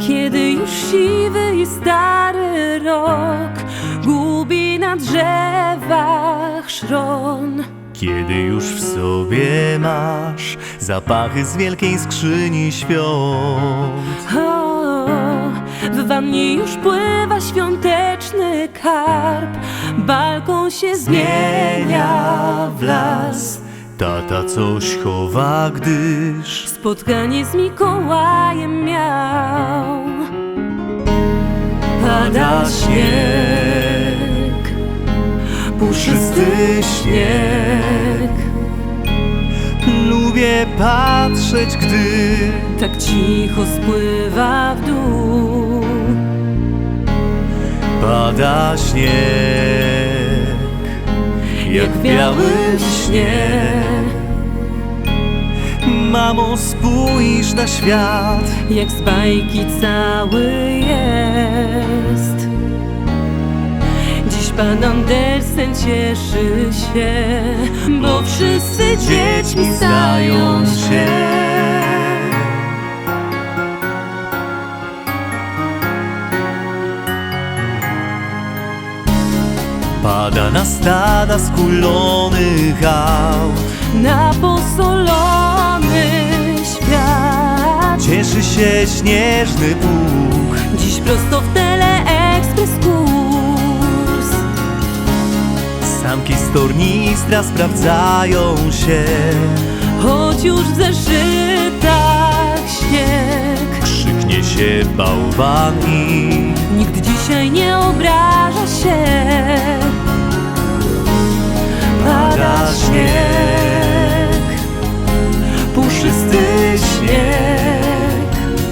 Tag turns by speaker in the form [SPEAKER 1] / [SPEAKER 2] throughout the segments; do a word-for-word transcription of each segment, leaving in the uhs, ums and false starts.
[SPEAKER 1] Kiedy już siwy i stary rok gubi na drzewach szron.
[SPEAKER 2] Kiedy już w sobie masz zapachy z wielkiej skrzyni świąt.
[SPEAKER 1] O, w wannie już pływa świąteczny karp, balkon się zmienia w las.
[SPEAKER 2] Tata coś chowa, gdyż
[SPEAKER 1] Spotkanie z Mikołajem miał. Pada śnieg, puszysty śnieg.
[SPEAKER 2] lubię patrzeć, gdy
[SPEAKER 1] Tak cicho spływa w dół.
[SPEAKER 2] pada śnieg, jak w białym śnie. Mamo, spójrz na świat,
[SPEAKER 1] Jak z bajki cały jest. Dziś pan Andersen cieszy się, bo wszyscy dziećmi stają się.
[SPEAKER 2] pada na stada skulonych aut.
[SPEAKER 1] Na posolony świat
[SPEAKER 2] Cieszy się śnieżny pług,
[SPEAKER 1] dziś prosto w Teleekspres kurs.
[SPEAKER 2] sanki z tornistra sprawdzają się.
[SPEAKER 1] Choć już w zeszytach śnieg,
[SPEAKER 2] Krzyknie się bałwan i
[SPEAKER 1] nikt dzisiaj nie obraża się. Pada śnieg,
[SPEAKER 2] puszysty śnieg.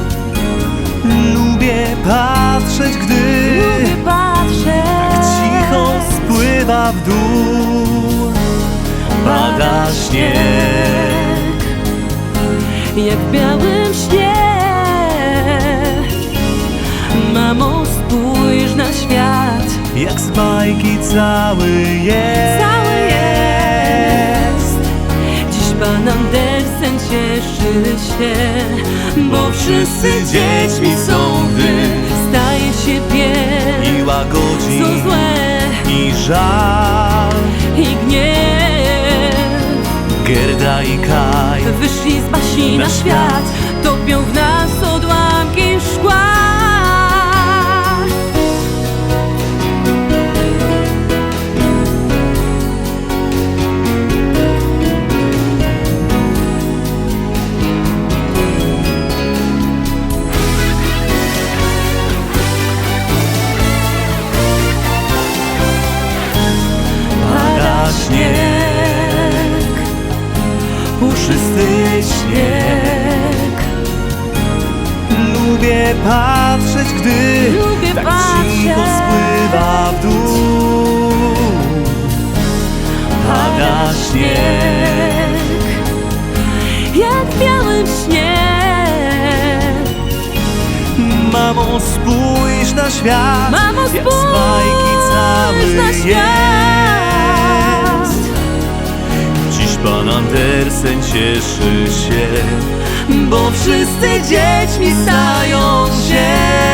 [SPEAKER 2] Lubię patrzeć, gdy
[SPEAKER 1] lubię patrzeć,
[SPEAKER 2] cicho spływa w dół. Pada śnieg,
[SPEAKER 1] jak w białym śnie. Mamo, spójrz na świat,
[SPEAKER 2] jak z bajki cały jest.
[SPEAKER 1] cały jest. Dziś pan Andersen cieszy się, bo wszyscy dziećmi są, gdy staje się pies.
[SPEAKER 2] I łagodzi
[SPEAKER 1] Co złe
[SPEAKER 2] i żal.
[SPEAKER 1] i gniew,
[SPEAKER 2] Gerda i Kaj
[SPEAKER 1] wyszli z basi na
[SPEAKER 2] Na
[SPEAKER 1] świat, topią w nas odłamki szkła.
[SPEAKER 2] pada śnieg, puszysty śnieg. Lubię patrzeć, gdy
[SPEAKER 1] Lubię
[SPEAKER 2] tak
[SPEAKER 1] patrzeć.
[SPEAKER 2] cicho spływa w dół. Pada śnieg,
[SPEAKER 1] Jak w białym śnie.
[SPEAKER 2] mamo, spójrz na świat,
[SPEAKER 1] Mamo,
[SPEAKER 2] jak z
[SPEAKER 1] spójrz
[SPEAKER 2] bajki cały
[SPEAKER 1] na świat.
[SPEAKER 2] jest. Dziś pan Andersen cieszy się, bo wszyscy dziećmi stają się.